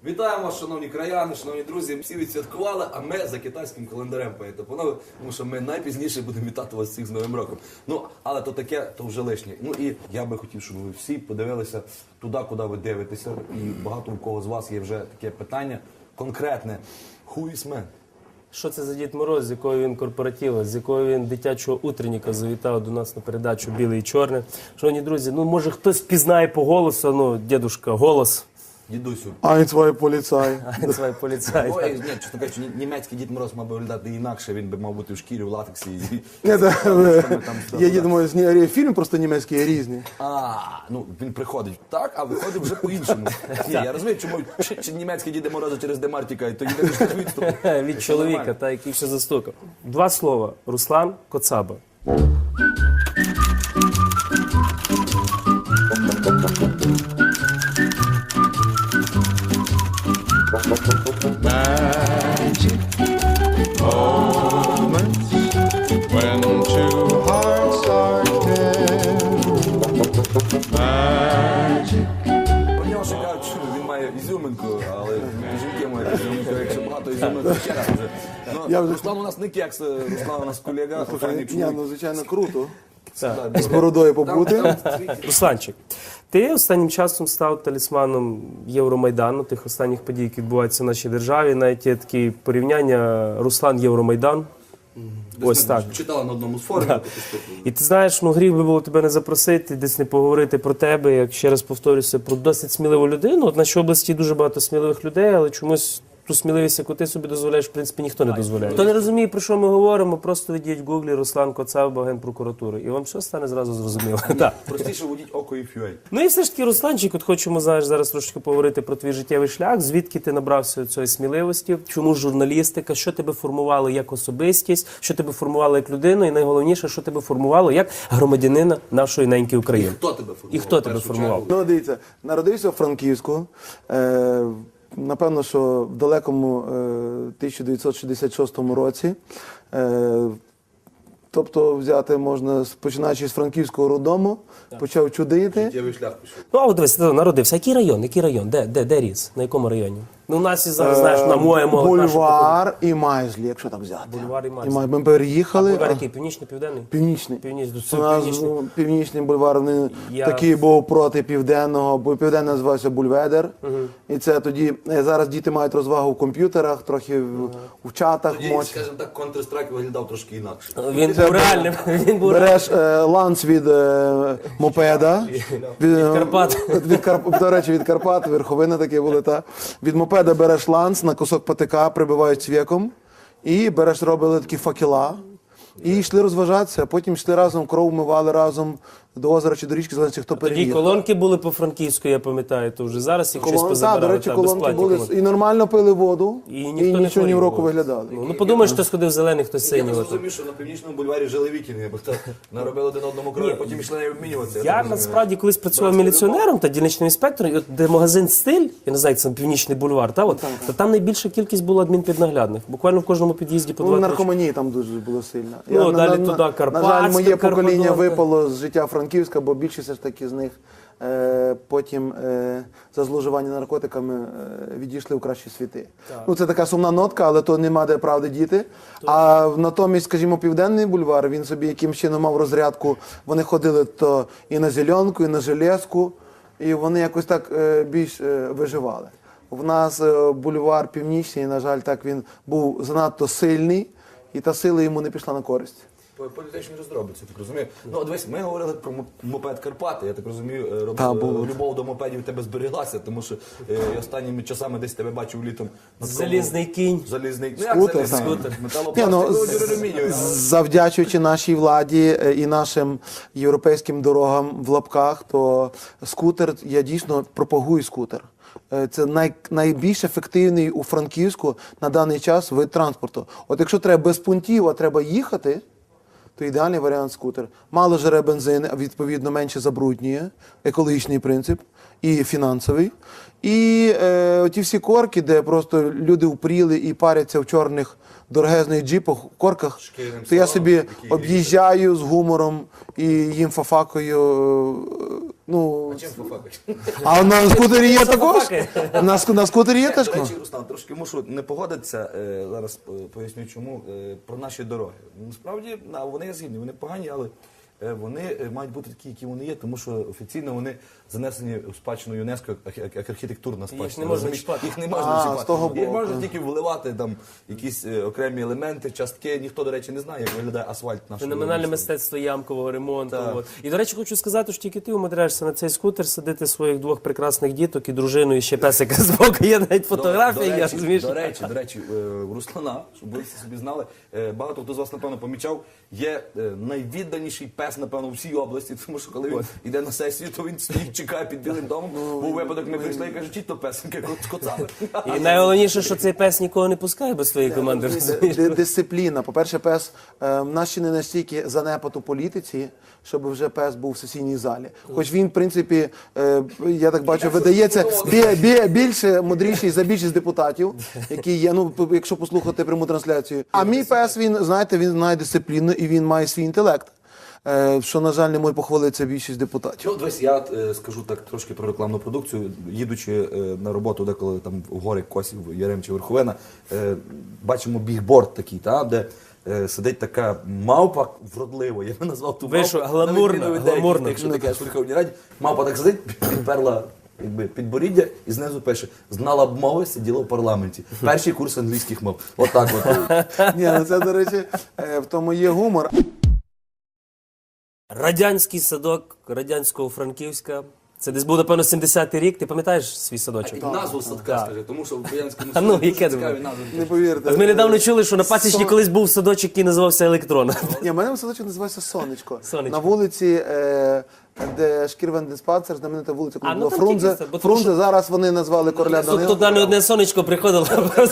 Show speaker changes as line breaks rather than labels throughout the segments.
Вітаємо вас, шановні краяни, шановні друзі. Всі відсвяткували, а ми за китайським календарем поїдемо. Тому що ми найпізніше будемо вітати вас всіх з Новим роком. Ну, але то таке, то вже лишнє. Ну і я би хотів, щоб ви всі подивилися туди, куди ви дивитеся. І багато у кого з вас є вже таке питання конкретне. Who is man?
Що це за Дід Мороз, з якого він корпоратива, з якого він дитячого утренніка завітав до нас на передачу «Біле і чорне». Шановні друзі, ну може хтось впізнає по голосу, ну, дідушка, голос.
Дідусю.
Ein, поліцай.
Свій поліцай.
Ой, ні, чесно кажучи, німецький Дід Мороз мав би виглядати інакше, він би мав бути в шкірі, в латексі.
Є Дід Мороз, фільм просто німецький різні.
Ну він приходить так, а виходить вже по-іншому. Ні, я розумію, чому німецький Дід Мороз через Демар тікає, то єдине, що відступ.
Від чоловіка, та, який ще застукав. Два слова. Руслан Коцаба.
Magic moments when two hearts are together. Magic.
Про нього ще кажуть, що він має ізюминку, але жінки мають ізюминку, якщо багато ізюминок, ще раз вже. Ну, Руслан у нас не кекс, Руслан у нас колега, охайний
Ні,
чоловік.
ну звичайно круто.
Да,
З бородою побути.
Русланчик, ти останнім часом став талісманом Євромайдану, тих останніх подій, які відбуваються в нашій державі. Навіть є такі порівняння Руслан-Євромайдан. Ось так.
Читала на одному з форумів.
І ти знаєш, ну гріх би було тебе не запросити, десь не поговорити про тебе, як ще раз повторюся, про досить сміливу людину. От в нашій області дуже багато сміливих людей, але чомусь ту сміливість, яку ти собі дозволяєш, в принципі, ніхто не дозволяє. Хто не розуміє, про що ми говоримо, просто введіть в гуглі Руслан Коцаба, Генпрокуратури, і вам все стане зразу зрозуміло. Так.
Простіше водіть око і FUA.
Ну і все ж таки, Русланчик, от хочемо, знаєш, зараз трошки поговорити про твій життєвий шлях, звідки ти набрався цієї сміливості, чому журналістика, що тебе формувало як особистість, що тебе формувало як людину, і найголовніше, що тебе формувало як громадянина нашої неньки України.
Хто тебе формував?
І хто тебе
В першу
формував?
чергу?
Ну, дивіться, народився в Франківську. Напевно, що в далекому 1966 році. Тобто взяти можна, починаючи з Франківського роддому, почав чудити.
Життєвий шлях пішов.
Ну, а от дивись, ти народився. Який район? Який район? Де ріс? На якому районі? Ну, у нас і зараз, знаєш, на моєму...
Бульвар і Майзлі, якщо так взяти.
Бульвар і
І
Майзлі.
ми переїхали.
Бульвар який? Північний, південний?
Північний.
Північний.
У нас
Північний.
північний бульвар він
Я-
такий був проти південного, бо південний називався Бульведер. І це тоді, зараз діти мають розвагу в комп'ютерах, трохи в чатах.
Тоді, скажімо так, Counter-Strike виглядав трошки інакше.
Він був реальним. Він був
Береш ланц від мопеда. Від
Карпат.
До речі, від Карпат, верховина такі були, та. Від мопеда береш ланц на кусок патика, прибивають цвєком. І береш, робили такі факела. І йшли розважатися, а потім йшли разом, кров мивали разом до озера чи до річки, залежить, хто
Тоді
переїхав.
колонки були по-франківську, я пам'ятаю, то вже зараз їх щось
Колонки,
позабирали.
до речі,
та,
колонки
безплатні
були
колонки.
і нормально пили воду,
І
і
ніхто не
нічого ні в
хворів
року
було.
виглядали.
Ну, подумаєш, хтось ходив зелений, хтось
Я
синій.
просто розумію, що на північному бульварі жили вікінги, бо хто наробили один одному крові, потім йшли не обмінюватися.
Я
так
насправді колись працював міліціонером та дільничним інспектором, і от де магазин «Стиль», я не знаю, як це Північний бульвар, та, от, то там найбільша кількість була адмінпіднаглядних. Буквально в кожному під'їзді по
Ну,
2-3.
наркоманії там дуже було сильно.
Ну, далі туди
На
Карпатська,
жаль, моє покоління
Карпадонка.
випало з життя Франківська, бо більшість все ж таки з них потім за зловживання наркотиками відійшли в кращі світи. Ну, це така сумна нотка, але то нема де правди діти. А натомість, скажімо, Південний бульвар, він собі якимось чином мав розрядку. Вони ходили то і на Зеленку, і на Железку, і вони якось так більш виживали. В нас бульвар Північний, на жаль, так він був занадто сильний, і та сила йому не пішла на користь.
Політичні роздробиці, так розумію. Ну, дивись, ми говорили про мопед Карпати. Я так розумію,
Та, було.
любов до мопедів в тебе зберіглася, тому що останніми часами десь тебе бачив літом. на такому-
Залізний кінь.
Залізний. Ну,
Скутер,
як залізний?
так.
Металопластик,
Ні, ну,
алюмінієвий.
завдячуючи нашій владі і нашим європейським дорогам в лапках, то скутер, я дійсно пропагую скутер. Це найбільш ефективний у Франківську на даний час вид транспорту. От якщо треба без пунктів, а треба їхати, то ідеальний варіант скутер. Мало жере бензин, а відповідно менше забруднює, екологічний принцип і фінансовий. І ті всі корки, де просто люди упріли і паряться в чорних дорогезних джипах, корках, то я собі об'їжджаю з гумором і їм фафакою Ну,
Чим пофакаєш?
а на скутері є також?
Факи.
На скутері є теж?
До речі, Руслан, трошки мушу не погодитися, зараз поясню чому, про наші дороги. Насправді, вони є згідні, вони погані, але вони мають бути такі, які вони є, тому що офіційно вони занесені в спадщину ЮНЕСКО як архітектурна спадщина.
не можна
розумієш?
чіпати.
Їх не можна чіпати.
з того
Їх
боку.
можна тільки вливати там якісь окремі елементи, частки. Ніхто, до речі, не знає, як виглядає асфальт нашого
Феноменальне
міста.
мистецтво ямкового ремонту.
Так.
От. І, до речі, хочу сказати, що тільки ти умудряєшся на цей скутер садити своїх двох прекрасних діток і дружину, і ще песика з боку. Є навіть фотографії, я розумію.
До речі, у Руслана, щоб ви собі знали, багато хто з вас, напевно, помічав, є найвідданіший пес, напевно, у всій області, тому що коли він йде на сесію, то він стоїть, чекає під Білим домом. Був випадок, ми прийшли і каже, чіть то песенька з коцами.
І найголовніше, що цей пес нікого не пускає без своєї команди. розумієш?
Дисципліна. По-перше, пес в нас ще не настільки занепад у політиці, щоб вже пес був в сесійній залі. Хоч він, в принципі, я так бачу, видається більше мудріший за більшість депутатів, які є, ну, якщо послухати пряму трансляцію. А мій пес, він, знаєте, він знає дисципліну і він має свій інтелект. Що, на жаль, не може похвалитися більшість депутатів.
От весь я скажу так трошки про рекламну продукцію. Їдучи на роботу, деколи там в гори Косів, Ярем чи Верховина, бачимо бігборд такий, де сидить така мавпа вродлива. Я би назвав ту
Ви що,
мавпу.
гламурна,
на відміну від деяких,
гламурна.
Якщо таке в Верховній Раді, мавпа так сидить, підперла підборіддя і знизу пише: знала б мови, сиділа в парламенті. Перший курс англійських мов. Отак от.
Ні, ну це, до речі, в тому є гумор.
Радянський садок радянського Франківська. Це десь був, напевно, 70-й рік. Ти пам'ятаєш свій садочок?
Назву садка, скажи, тому що в Боянському
А ну,
Союзі
яке
дуже цікаві
думаю?
назви.
Не повірте.
От ми недавно чули, що на Пасічні колись був садочок, який називався Електрон.
Ні, в мене садочок називається Сонечко.
Сонечко.
На вулиці, де Шкірвендиспансер, знаменита вулиця, коли
А, ну,
було
там
Фрунзе.
тільки це, бо тому
Фрунзе, зараз вони назвали короля
Тут
Данила.
туди не одне сонечко приходило.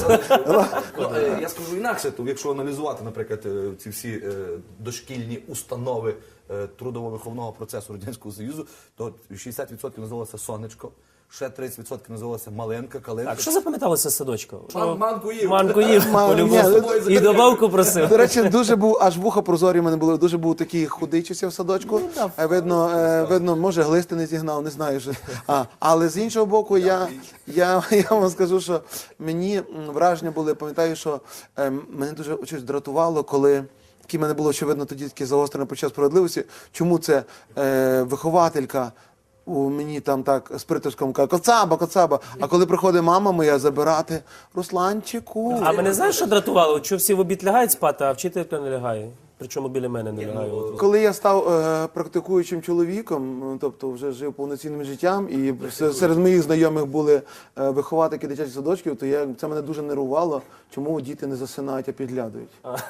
Я скажу інакше, то якщо аналізувати, наприклад, ці всі дошкільні установи трудово-виховного процесу Радянського Союзу, то 60% називалося Сонечко, ще 30% називалося Маленька, Калинка.
Так, що запам'яталося з садочка?
Манку їв.
Манку їв, по-любому. І добавку просив.
До речі, дуже був, аж вуха прозорі в мене були, дуже був такий худий часів в садочку. Видно, може, глисти не зігнав, не знаю. Що. Але з іншого боку, я вам скажу, що мені враження були, пам'ятаю, що мене дуже щось дратувало, коли в мене було, очевидно, тоді таке загострене почуття справедливості, чому це вихователька у мені там так з притиском каже: коцаба, коцаба. А коли приходить мама моя забирати: Русланчику.
А мене знаєш, що дратувало? Що всі в обід лягають спати, а вчителька не лягає. Причому біля мене не лягає. От.
Коли я став практикуючим чоловіком, тобто вже жив повноцінним життям, і серед моїх знайомих були виховательки дитячих садочків, то це мене дуже нервувало, чому діти не засинають, а підглядають.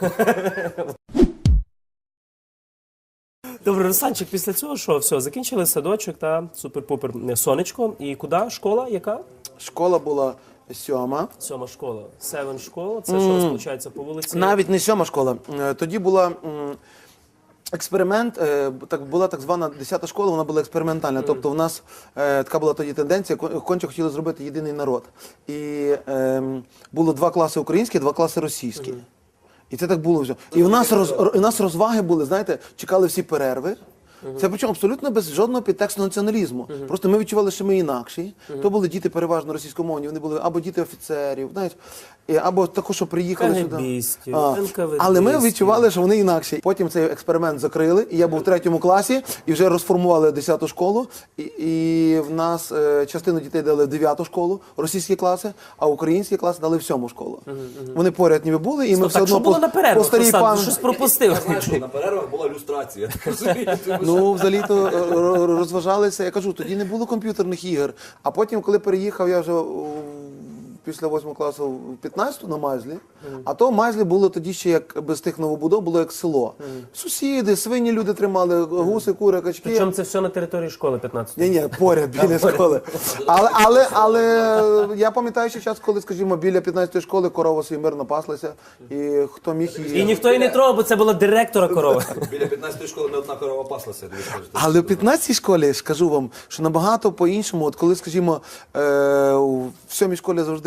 Добре, Русланчик, після цього що? Все, закінчили садочок, та супер-пупер сонечко. І куди? Школа? Яка?
Школа була 7.
7 школа. Севен школа. Це що розполучається по вулиці?
Навіть не 7 школа. Тоді була експеримент, була так звана 10 школа, вона була експериментальна. Тобто в нас така була тоді тенденція, конче хотіли зробити єдиний народ. І було 2 класи українські, 2 класи російські. І це так було вже. І у нас розваги були, знаєте, чекали всі перерви. Це причому абсолютно без жодного підтексту націоналізму. Просто ми відчували, що ми інакші. То були діти переважно російськомовні, вони були або діти офіцерів, знаєте, або також, що приїхали сюди.
КГБістів, НКВД-стів.
Але ми відчували, що вони інакші. Потім цей експеримент закрили, і я був в 3 класі, і вже розформували 10 школу. І в нас частину дітей дали в 9 школу, російські класи, а українські класи дали в 7 школу. Вони поряд ніби були, і ми все
Так, що
одно
було на перервах?
старій
Руслан,
пан...
ти щось пропустив.
Я знаю, що на перервах була люстрація.
Ну, взагалі-то розважалися. Я кажу, тоді не було комп'ютерних ігор. А потім, коли переїхав, я вже після 8 класу в 15-ту на Майзлі, а то Майзлі було тоді ще як без тих новобудов, було як село. Сусіди, свині люди тримали, гуси, кури, качки.
Причому це все на території школи 15-ї.
Ні, поряд, біля школи. Але я пам'ятаю ще час, коли, скажімо, біля 15-ї школи корова собі мирно паслася, і хто міг її...
І ніхто її не трогав, бо це була директора корова.
Біля 15-ї школи не одна корова паслася.
Але в 15-й школі, скажу вам, що набагато по-іншому, от коли, скажімо, в 7-й школі завжди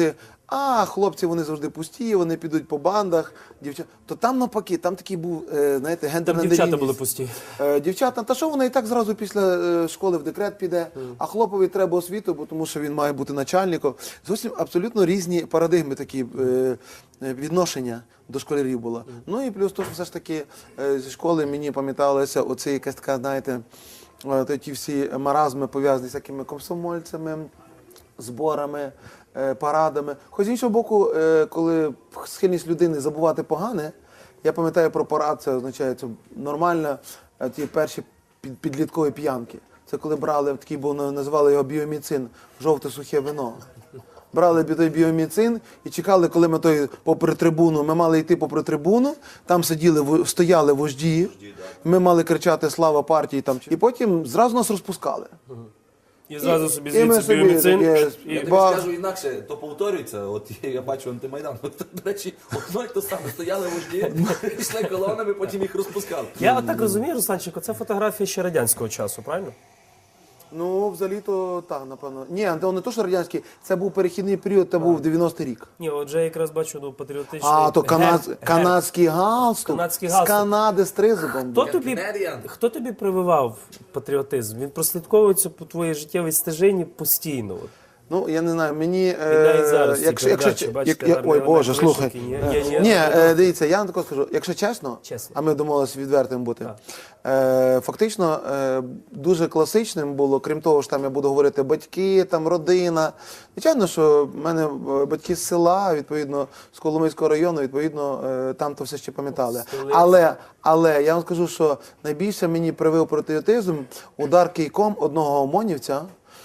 А хлопці вони завжди пусті, вони підуть по бандах, дівчата. То там навпаки, там такий був, знаєте,
Там
гендерна
дівчата
нерівність.
були пусті.
Дівчата, та що вона і так зразу після школи в декрет піде, а хлопові треба освіту, бо тому що він має бути начальником. Зовсім абсолютно різні парадигми такі відношення до школярів було. Ну і плюс то, що все ж таки зі школи мені пам'яталося оце якась така, знаєте, ті всі маразми пов'язані з всякими комсомольцями, зборами, парадами. Хоч з іншого боку, коли схильність людини забувати погане, я пам'ятаю про парад, це означає, це нормально, ті перші підліткові п'янки. Це коли брали, такий був, називали його біоміцин, жовте сухе вино. Брали той біоміцин і чекали, коли ми попри трибуну, ми мали йти попри трибуну, там стояли вожді, ми мали кричати «Слава партії!» там, і потім зразу нас розпускали.
І зразу собі
і ми
звідси
собі
біоміцин.
таке,
І-
Я тобі скажу інакше, то повторюється. От я бачу антимайдан. От, до речі, одно й то саме. Стояли вожді, йшли колонами, потім їх розпускали.
Я отак розумію, Русланчику, це фотографія ще радянського часу, правильно?
Ну, взагалі-то так, напевно. Ні, не то, що радянський, це був перехідний період, це був 90-й рік.
Ні, отже, я якраз бачу патріотичний...
А, то
герб.
канадський галстук.
Канадський
З
галстук.
Канади з тризубом.
Хто тобі прививав патріотизм? Він прослідковується по твоїй життєвій стежині постійно. От.
Ну, я не знаю, мені...
І навіть зараз ці
якщо,
передачі, бачите, гарні
ой,
вони
Боже,
вишиті,
слухай.
ні,
Дивіться, я вам тако скажу, якщо чесно,
Чесно.
а ми домовилися відвертим бути, фактично дуже класичним було, крім того, що там я буду говорити батьки, там родина. Звичайно, що в мене батьки з села, відповідно, з Коломийського району, відповідно, там то все ще пам'ятали. Але я вам скажу, що найбільше мені привив патріотизм удар кийком одного ОМОНівця,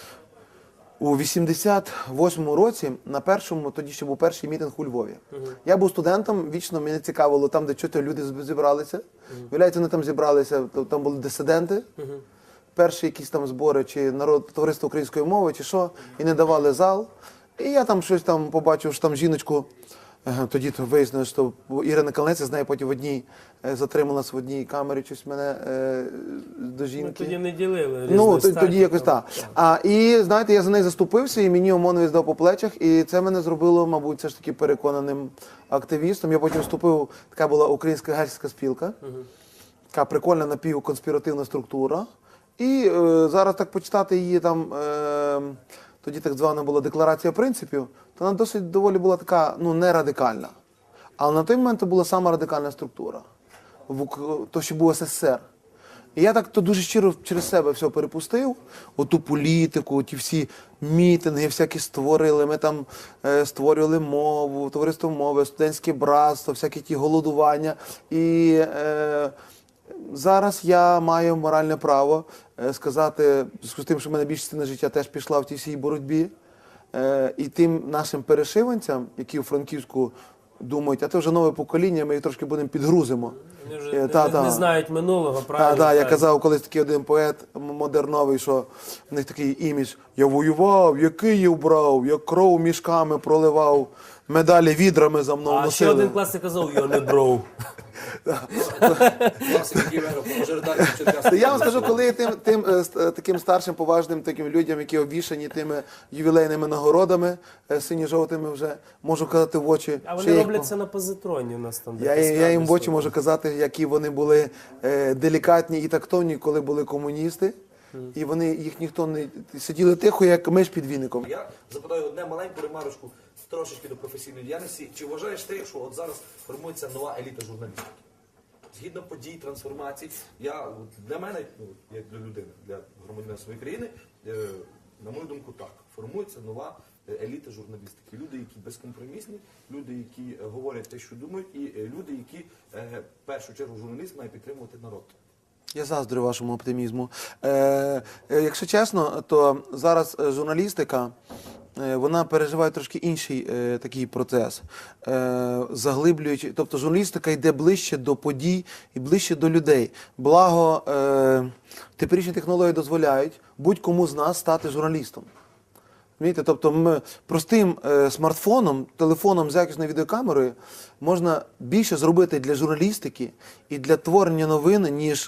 у 88-му році, на першому, тоді ще був перший мітинг у Львові. Я був студентом, вічно мене цікавило там, де чого люди зібралися. Виявляється, вони там зібралися, там були дисиденти, перші якісь там збори, чи товариство української мови, чи що, і не давали зал. І я там щось там побачив, що там жіночку, тоді то вияснилось, що Ірина Калнець, з нею потім в одній, затрималась в одній камері, щось мене до жінки.
Ми тоді не ділили.
Ну,
різних
тоді
статей,
якось
там.
так. І, знаєте, я за неї заступився, і мені ОМОНовець дав по плечах, і це мене зробило, мабуть, все ж таки переконаним активістом. Я потім вступив, така була Українська гельсінська спілка, така прикольна напівконспіративна структура. І зараз так почитати її там, тоді так звана була декларація принципів, то вона досить доволі була така, ну, не радикальна. Але на той момент це була сама радикальна структура, то, що був СССР. І я так то дуже щиро через себе все перепустив, оту політику, ті всі мітинги всякі створили, ми там створювали мову, товариство мови, студентське братство, всякі ті голодування. І зараз я маю моральне право сказати, з тим, що в мене більша частина життя теж пішла в тій всій боротьбі, і тим нашим перешиванцям, які у Франківську думають, а це вже нове покоління, ми їх трошки будемо підгрузимо.
Вони вже не знають минулого, правильно?
Так, я
Так.
казав колись такий один поет модерновий, що в них такий імідж: я воював, я Київ брав, я кров мішками проливав, медалі відрами за мною
А ще
носили.
один класик казав, я не бров.
Я вам скажу, коли таким старшим, поважним таким людям, які обвішані тими ювілейними нагородами, сині-жовтими вже, можу казати в очі.
А
що
вони
я їх
роблять це на позитроні у нас там. де
Я
каскади
їм в очі
стоять.
можу казати, які вони були делікатні і тактовні, коли були комуністи. І вони, їх ніхто не сиділи тихо, як миш під віником.
Я запитаю одне маленьку ремарочку трошечки до професійної діяльності. Чи вважаєш ти, що от зараз формується нова еліта журналістики? Згідно подій, трансформацій, для мене, як для людини, для громадянина своєї країни, на мою думку, так, формується нова еліта журналістики. Люди, які безкомпромісні, люди, які говорять те, що думають, і люди, які, в першу чергу, журналіст має підтримувати народ.
Я заздрю вашому оптимізму. Якщо чесно, то зараз журналістика, вона переживає трошки інший такий процес, заглиблюючи, тобто журналістика йде ближче до подій і ближче до людей. Благо, теперішні технології дозволяють будь-кому з нас стати журналістом. Розумієте? Тобто простим смартфоном, телефоном з якісною відеокамерою можна більше зробити для журналістики і для творення новин,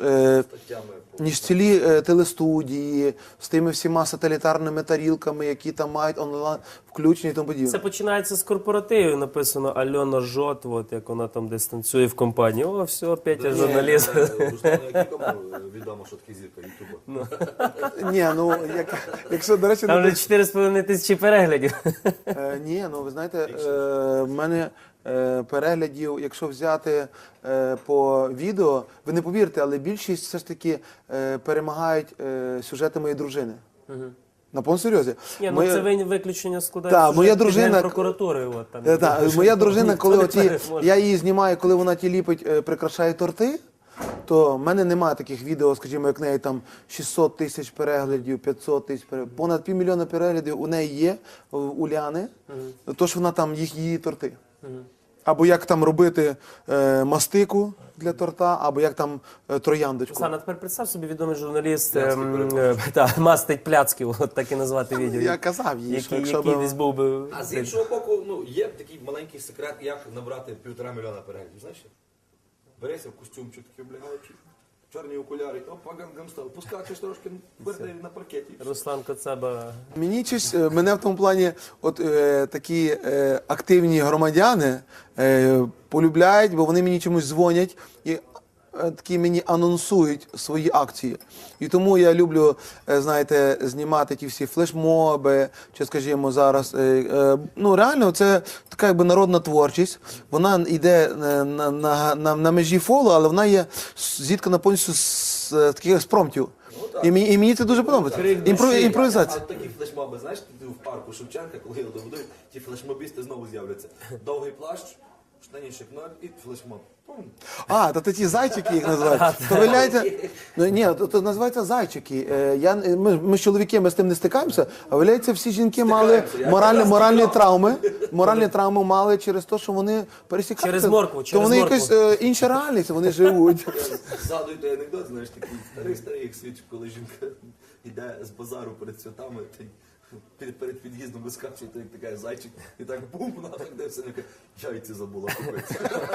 ніж цілі телестудії з тими всіма сателітарними тарілками, які там мають онлайн включення і тому подібне.
Це починається з корпоративів, написано Альона Жот, от як вона там десь танцює в компанії. О, все, Петя журналіст.
Руслану Якікому відомо, що таке зірка Ютуба.
Ні, ну, якщо, до речі,
Там вже 4,5 тисячі переглядів.
ні, ну ви знаєте, в мене переглядів, якщо взяти по відео, ви не повірите, але більшість все ж таки перемагають сюжети моєї дружини. На повному серйозі.
Ні, ну це виключення складає
Так, моя дружина
прокуратури. От, там.
Так, моя дружина, коли
Ніхто не
оці,
переможе.
я її знімаю, коли вона ті ліпить, прикрашає торти, то в мене немає таких відео, скажімо, як в неї там 600 тисяч переглядів, 500 тисяч переглядів. Понад 500 000 переглядів у неї є, у Уляни, тож вона там її торти. Або як там робити мастику для торта, або як там трояндочку.
Руслан, а тепер представ собі, відомий журналіст мастить пляцків, от так і назвати відео.
Я казав їй, що якщо
який
б...
десь був би...
А з іншого боку, ну, є такий маленький секрет, як набрати 1,5 мільйона переглядів. Знаєш? Береться в костюмчик такий облягаючий, чорні окуляри, опа, гангам став, пускаєш трошки на паркеті.
Руслан Коцаба.
Мені мене в тому плані такі активні громадяни полюбляють, бо вони мені чомусь дзвонять і такі мені анонсують свої акції. І тому я люблю, знаєте, знімати ті всі флешмоби, чи, скажімо, зараз. Ну, реально, це така якби народна творчість. Вона йде на межі фолу, але вона є зіткана повністю з таких спромтів. І мені це дуже подобається. Імпровізація.
А такі флешмоби, знаєш, ти в парку Шевченка, коли його добудують, ті флешмобісти знову з'являться. Довгий плащ, штанішек 0 і флешмоб. Пум.
А, то ті зайчики їх називають. То виявляється, ну ні, то називаються зайчики. Ми з чоловіки, ми з тим не стикаємося, а виявляється, всі жінки мали моральні травми мали через те, що вони пересікаються.
Через моркву,
То вони якась інша реальність, вони живуть.
Згадую той анекдот, знаєш, такий старий як світ, коли жінка йде з базару перед святами, перед під'їздом вискакує, то як така зайчик, і так бум, вона так дивиться, яйця забула купити.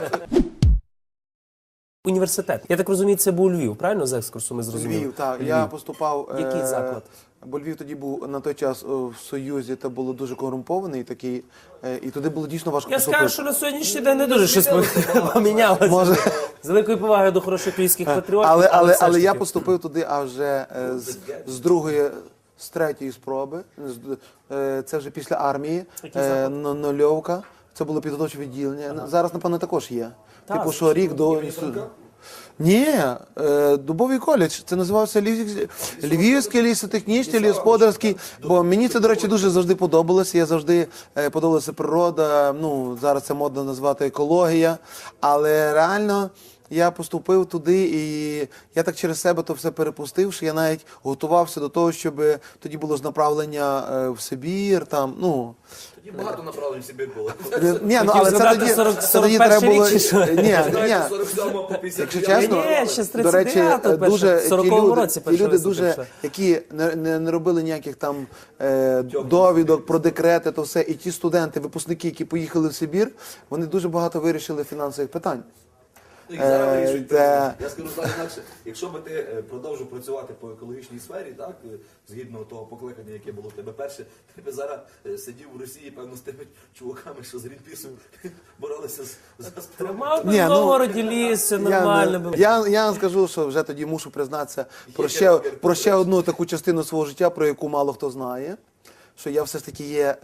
Університет. Я так розумію, це був Львів, правильно з екскурсу ми зрозуміли?
Львів, так. Я поступав...
Який заклад?
Бо Львів тоді був на той час в Союзі, та було дуже корумпований такий, і туди було дійсно важко
Я
поступити.
скажу, що на сьогоднішній день не дуже щось помінялося.
Може.
З великою повагою до хороших львівських патріотів. все
Але
ж
я
таки.
поступив туди аж вже з другої, з третьої спроби. Це вже після армії, нульовка. Це було підготовче відділення. Зараз, напевно, також є.
Так,
Типу, що рік до інституту. Ні, Дубовий коледж. Це називався Львівський лісотехнічний, лісогосподарський. Бо мені це, до речі, дуже завжди подобалося. Я завжди подобалася природа. Ну, зараз це модно назвати екологія. Але реально я поступив туди, і я так через себе то все перепустив, що я навіть готувався до того, щоб тоді було ж направлення в Сибір, там, ну...
Тоді багато направлень в Сибір було.
Ні, ну, але це тоді треба було...
рік, чи що?
Ні,
47 по 50.
якщо чесно,
Ні, ще з
до речі,
39-го
дуже
перше, в 40-му році
ті
перша
люди,
виставка
дуже,
пішла.
які не робили ніяких там довідок про декрети, то все, і ті студенти, випускники, які поїхали в Сибір, вони дуже багато вирішили фінансових питань.
Ну, і зараз вирішують.
Це-
Я скажу так інакше, якщо би ти продовжив працювати по екологічній сфері, так, згідно того покликання, яке було в тебе перше, ти би зараз сидів у Росії, певно, з тими чуваками, що з Грінпісом боролися за справу.
Тримав би
Ні,
в
ну,
Новгороді ліс, все нормально було.
Я вам скажу, що вже тоді мушу признатися про ще одну таку частину свого життя, про яку мало хто знає, що я все ж таки є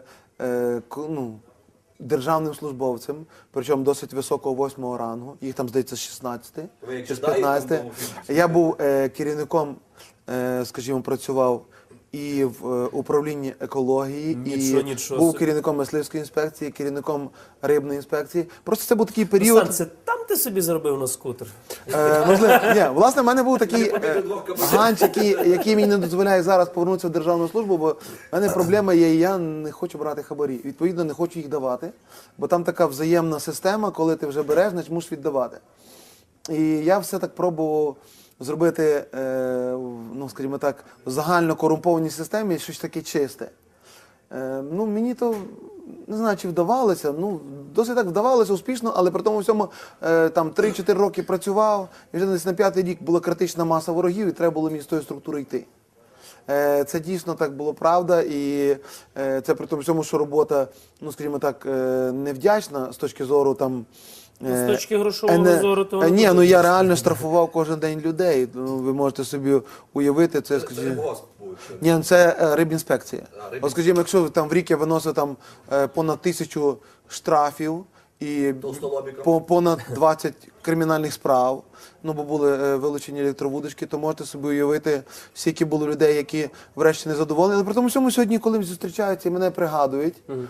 державним службовцем, причому досить високого 8-го рангу, їх там, здається, 16
Ви як
чи з
ждаєте,
15.
там,
Я був керівником, скажімо, працював і в управлінні екології,
Нічого
був
собі.
керівником мисливської інспекції, керівником рибної інспекції. Просто це був такий період.
Руслан, це там ти собі зробив на скутер?
Можливо, ні, власне, в мене був такий ганч, який мені не дозволяє зараз повернутися в державну службу, бо в мене проблема є, і я не хочу брати хабарі. Відповідно, не хочу їх давати, бо там така взаємна система, коли ти вже береш, значить мусиш віддавати. І я все так пробував зробити, ну, скажімо так, в загально корумпованій системі щось таке чисте. Ну, мені то, не знаю, чи вдавалося, ну, досить так вдавалося успішно, але при тому всьому там 3-4 роки працював, і вже десь на 5-й рік була критична маса ворогів, і треба було мені з тої структури йти. Це дійсно так було правда, і це при тому всьому, що робота, ну, скажімо так, невдячна з точки зору там.
З точки грошового зору, то воно
Ні,
дуже
ну я реально штрафував кожен день людей. Ну, ви можете собі уявити, це,
Це
скажімо.
рибгосп був, чи?
Ні, ну, це рибінспекція.
рибінспекція.
От, скажімо, якщо там в рік я виносив там понад 1000 штрафів і
Толстолобіком.
понад 20 кримінальних справ, ну бо були вилучені електровудочки, то можете собі уявити, скільки було людей, які врешті не задоволені. Але при тому всьому сьогодні, коли зустрічаються і мене пригадують,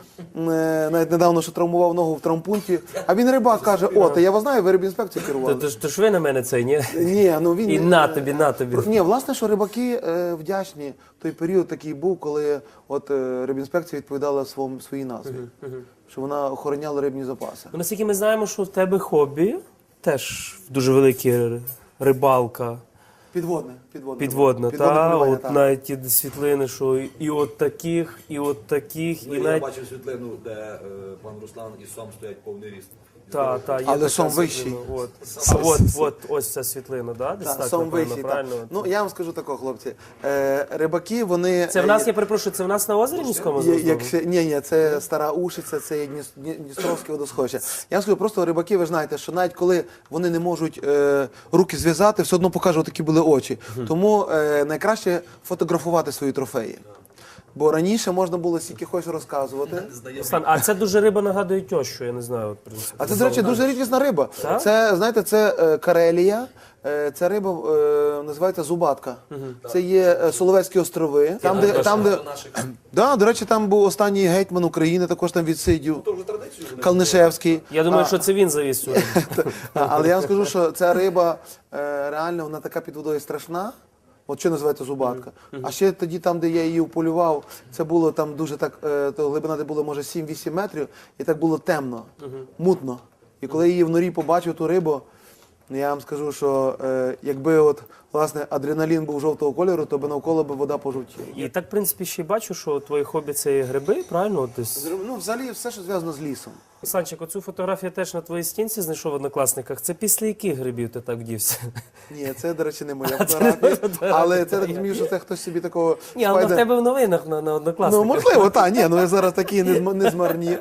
навіть недавно, що травмував ногу в травмпункті, а він рибак каже: о, та я вас знаю, ви рибінспекцію керували.
То ж ви на мене це, ні?
Ні, ну він
І на тобі, на тобі.
Ні, власне, що рибаки вдячні. Той період такий був, коли от рибінспекція відповідала своїй назві, що вона охороняла рибні запаси.
Ну, наскільки ми знаємо, що в тебе хобі теж дуже велике рибалка. Підводна, та
полювання,
от
так.
навіть ті світлини, що і от таких, і от таких,
Ну,
і
я
навіть
бачив світлину, де пан Руслан і Сом стоять повний ріст.
та, є
Але
така
Сом
світлина.
вищий.
От, ось ця світлина, да? Десь
Так,
так,
сам
напевно,
вищий, так.
правильно?
Ну, я вам скажу такого, хлопці. Рибаки, вони...
Це в нас, я перепрошую, це в нас на озері міському
Якщо, ні, це Стара Ушиця, це є Дністровське водосховище. Я вам скажу, просто рибаки, ви знаєте, що навіть коли вони не можуть руки зв'язати, все одно покажуть, такі були очі. Тому найкраще фотографувати свої трофеї. Бо раніше можна було стільки хочеш розказувати.
Руслан, а це дуже риба нагадує тещу, я не знаю. От, в принципі.
А це, до речі, дуже рідкісна риба.
Так?
Це, знаєте, це Карелія. Ця риба називається зубатка. Це є Соловецькі острови. Да, до речі, там був останній гетьман України, також там відсидів.
То вже традицію.
Калнишевський.
Я думаю, що це він завіз сюди.
Але я вам скажу, що ця риба реально вона така під водою страшна. От що називається зубатка. А ще тоді, там, де я її уполював, це було там дуже так, то глибина де було, може, 7-8 метрів, і так було темно, мутно. І коли я її в норі побачив ту рибу, я вам скажу, що якби от, власне, адреналін був жовтого кольору, то би навколо би вода пожовтіла.
І так, в принципі, ще й бачу, що твої хобі це і гриби, правильно? От десь.
Ну, взагалі, все, що зв'язано з лісом.
Санчик, оцю фотографію теж на твоїй стінці знайшов в Однокласниках. Це після яких грибів ти так вдівся?
Ні, це, до речі, не моя фотографія, але це так розумію, що це хтось собі такого...
Ні, але в тебе в новинах на
Ну,
Однокласниках.
можливо, так, ні, ну ви зараз такі не змарні.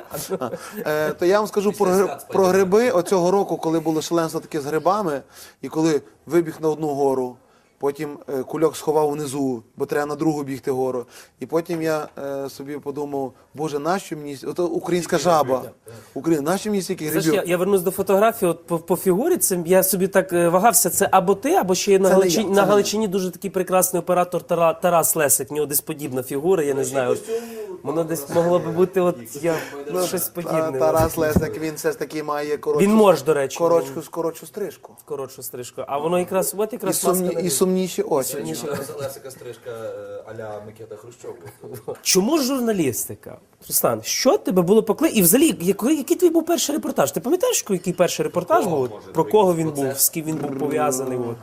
То я вам скажу про гриби оцього року, коли було шаленство таке з грибами, і коли вибіг на одну гору, потім кульок сховав внизу, бо треба на другу бігти гору. І потім я собі подумав, боже, нащо мені, ото українська жаба, нащо мені стільки
Знаєш,
грибів?
я вернусь до фотографії, от по фігурі, це, я собі так вагався, це або ти, або ще є на
Це не
Галичині,
я, це
на
не
Галичині дуже такий прекрасний оператор Тарас Лесик, в нього десь подібна фігура, я не знаю. От, воно десь могло би бути щось подібне.
Тарас Лесик, він все ж таки має
Він може, до речі,
коротшу стрижку.
коротшу стрижку. А воно якраз, от
І,
якраз маска на
і сумніші очі.
Лесика стрижка а-ля Микита Хрущов.
Чому журналістика? Руслан, що тебе було і взагалі, який твій був перший репортаж? Ти пам'ятаєш, який перший репортаж був? От, про кого він був, з ким він був пов'язаний? От.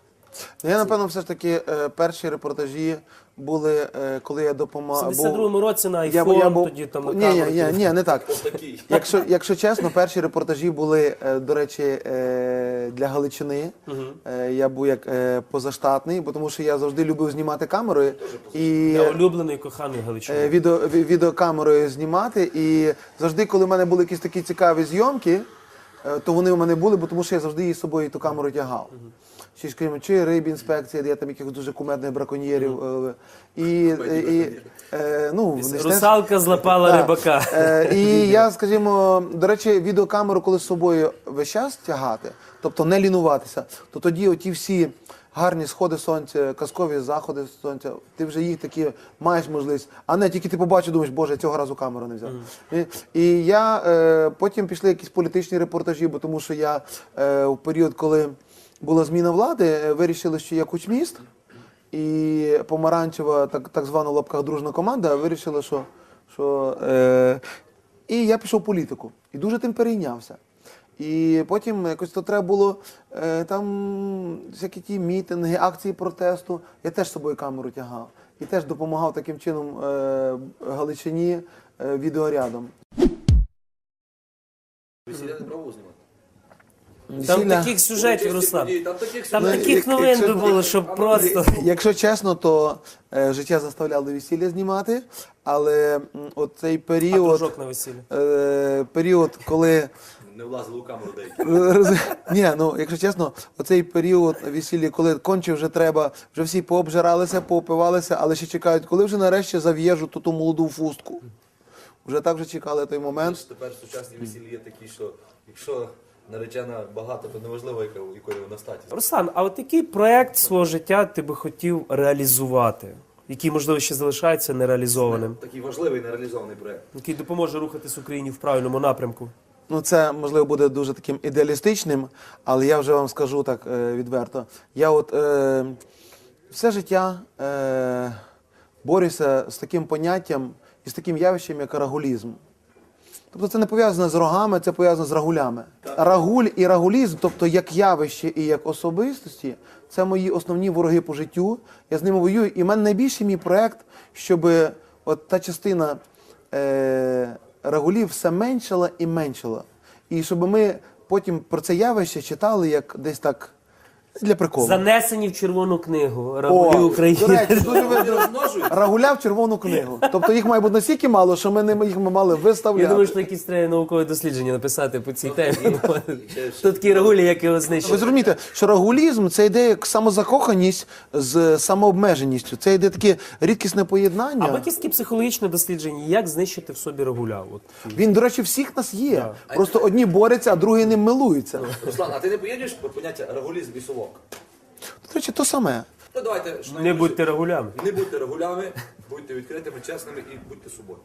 Я, напевно, все ж таки перші репортажі були, коли я
В
допомагав.
72-му році на iPhone, тоді там на камеру.
Ні, не так. Якщо чесно, перші репортажі були, до речі, для Галичини. Я був як позаштатний, бо тому що я завжди любив знімати камерою. І
Я улюблений, коханий Галичини.
відеокамерою знімати. І завжди, коли в мене були якісь такі цікаві зйомки, то вони у мене були, бо тому що я завжди її з собою ту камеру тягав. Чи рибінспекція, де я там якихось дуже кумедних браконьєрів.
Русалка злапала рибака.
І я, скажімо, до речі, відеокамеру, коли з собою весь час тягати, тобто не лінуватися, то тоді оті всі гарні сходи сонця, казкові заходи сонця, ти вже їх такі маєш можливість, а не тільки ти побачив, думаєш, боже, я цього разу камеру не взяв. І я, потім пішли якісь політичні репортажі, бо тому що я в період, коли була зміна влади, вирішили, що я кучміст, і помаранчева, так звана в лапках дружна команда, вирішила, що і я пішов в політику. І дуже тим перейнявся. І потім якось то треба було там всякі ті мітинги, акції протесту. Я теж з собою камеру тягав. І теж допомагав таким чином Галичині відеорядом.
Весілля не пробував знімати?
Там
Весілля-
таких сюжетів, Руслан.
Там таких
Там
сюжетів.
таких новин би було, щоб просто.
Якщо чесно, то життя заставляло весілля знімати, але оцей
А
період,
дружок на весіллі.
період, коли
Не влазили у камеру деякі.
ні, ну якщо чесно, оцей період весілля, коли конче вже треба, вже всі пообжиралися, поопивалися, але ще чекають, коли вже нарешті зав'єжу ту молоду фустку. Вже так вже чекали той момент.
Тепер сучасні весілля є такі, що якщо наречена багато, то неважливо, якої вона статі.
Руслан, а от який проект свого життя ти би хотів реалізувати? Який, можливо, ще залишається нереалізованим?
Такий важливий нереалізований проєкт.
Який допоможе рухатись Україні в правильному напрямку?
Ну, це, можливо, буде дуже таким ідеалістичним, але я вже вам скажу так відверто. Я от все життя борюся з таким поняттям і з таким явищем, як рагулізм. Тобто це не пов'язано з рогами, це пов'язано з рагулями. Рагуль і рагулізм, тобто як явище і як особистості, це мої основні вороги по життю. Я з ними воюю. І в мене найбільший мій проєкт, щоб от та частина рагулів все меншала і меншала. І щоб ми потім про це явище читали як десь так для приколу.
Занесені в Червону книгу Рагулі
До
України.
речі, дуже
Вони
видно.
розмножують.
Рагуля в червону книгу. Тобто їх має бути настільки мало, що ми їх мали виставляти.
Я думаю, що якісь треба наукове дослідження написати по цій темі. Тут такі рагулі, як його
Ви
знищили.
зрозумієте, що рагулізм це йде як самозакоханість з самообмеженістю. Це йде таке рідкісне
А
поєднання.
якісь такі психологічне дослідження, як знищити в собі рагуля? От.
Він, до речі, всіх нас є. Просто одні борються, а другі ним милуються.
Руслан, а ти не поєднуєш поняття рагулізм і совок?
До речі, то саме.
Ну давайте, що
Не будьте рагулями.
не будьте рагулями, будьте відкритими, чесними і будьте собою.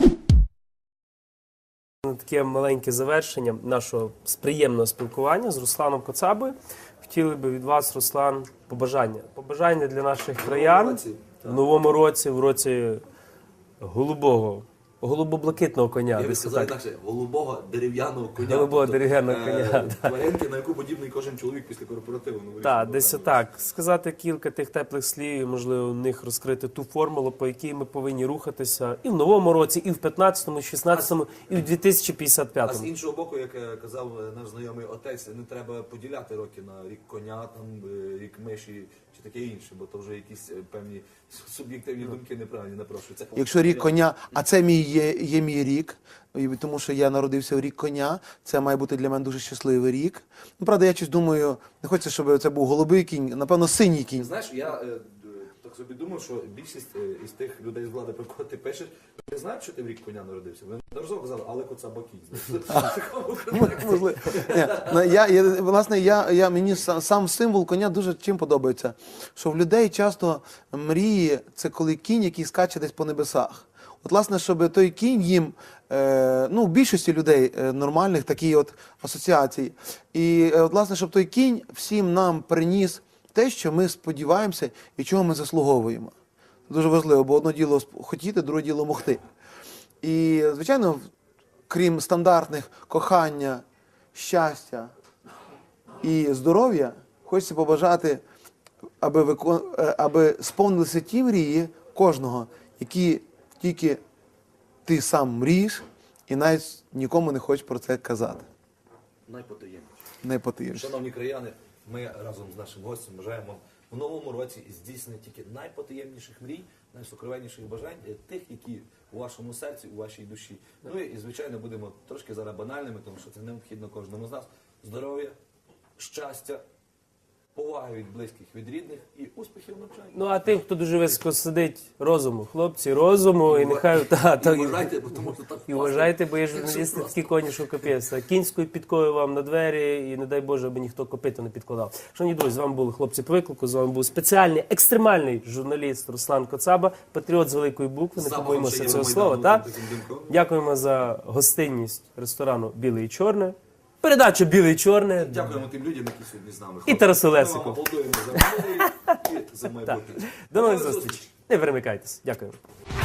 Таке маленьке завершення нашого приємного спілкування з Русланом Коцабою. Хотіли би від вас, Руслан, побажання. Побажання для наших краян
році,
в новому році, в році голубо-блакитного коня.
Я би
Десь
сказав
отак.
інакше, голубого дерев'яного коня.
Голубого
Тобто,
дерев'яного коня,
Тваринки, на яку подібний кожен чоловік після корпоративу.
Так, десь отак. Сказати кілька тих теплих слів, і, можливо, в них розкрити ту формулу, по якій ми повинні рухатися і в новому році, і в 15-му, і в 16-му, і в
А з
2055-му.
іншого боку, як казав наш знайомий отець, не треба поділяти роки на рік коня, там, рік миші чи таке інше, бо то вже якісь певні суб'єктивні думки неправильні напрошуються.
Якщо рік коня, а це є мій рік, і тому що я народився в рік коня, це має бути для мене дуже щасливий рік. Ну, правда, я щось думаю, не хочеться, щоб це був голубий кінь, напевно, синій кінь.
Знаєш, я так собі думав, що більшість із тих людей з влади, про кого ти пишеш, не знають, що ти в рік коня народився. Вони неодноразово казали, але Коцаба кінь.
Можливо. Ні, ну, власне, мені сам символ коня дуже чим подобається. Що в людей часто мрії – це коли кінь, який скаче десь по небесах. От, власне, щоб той кінь їм, ну, в більшості людей нормальних такі от асоціації. І, от, власне, щоб той кінь всім нам приніс те, що ми сподіваємося і чого ми заслуговуємо. Це дуже важливо, бо одне діло хотіти, друге діло могти. І, звичайно, крім стандартних кохання, щастя і здоров'я, хочеться побажати, аби сповнилися ті мрії кожного, які тільки ти сам мрієш і навіть нікому не хочеш про це казати.
Найпотаємніше.
Не потиєш.
Шановні краяни, ми разом з нашим гостем бажаємо в новому році здійснення тільки найпотаємніших мрій, найсокровенніших бажань, тих, які у вашому серці, у вашій душі. Ну і, звичайно, будемо трошки зараз банальними, тому що це необхідно кожному з нас. Здоров'я, щастя, поваги від близьких, від рідних і успіхів в навчанні.
Ну, а тим, хто дуже високо сидить, розуму. Хлопці, розуму, і нехай...
І вважайте, бо тому що так
І вважайте, бо є журналісти такі коні, що капець. Кінською підкою вам на двері, і не дай Боже, аби ніхто копито не підкладав. Шановні друзі, з вами були хлопці по виклику, з вами був спеціальний, екстремальний журналіст Руслан Коцаба, патріот з великої букви, не побоїмося цього слова. Так? Дякуємо за гостинність ресторану «Біле і чорне», передачу «Біле і чорне».
Дякуємо тим людям, які сьогодні з нами.
І Тарасу
Ми вам
Лесику.
аплодуємо за минулий рік і за майбутнє.
До нових зустрічей. Не перемикайтесь. Дякую.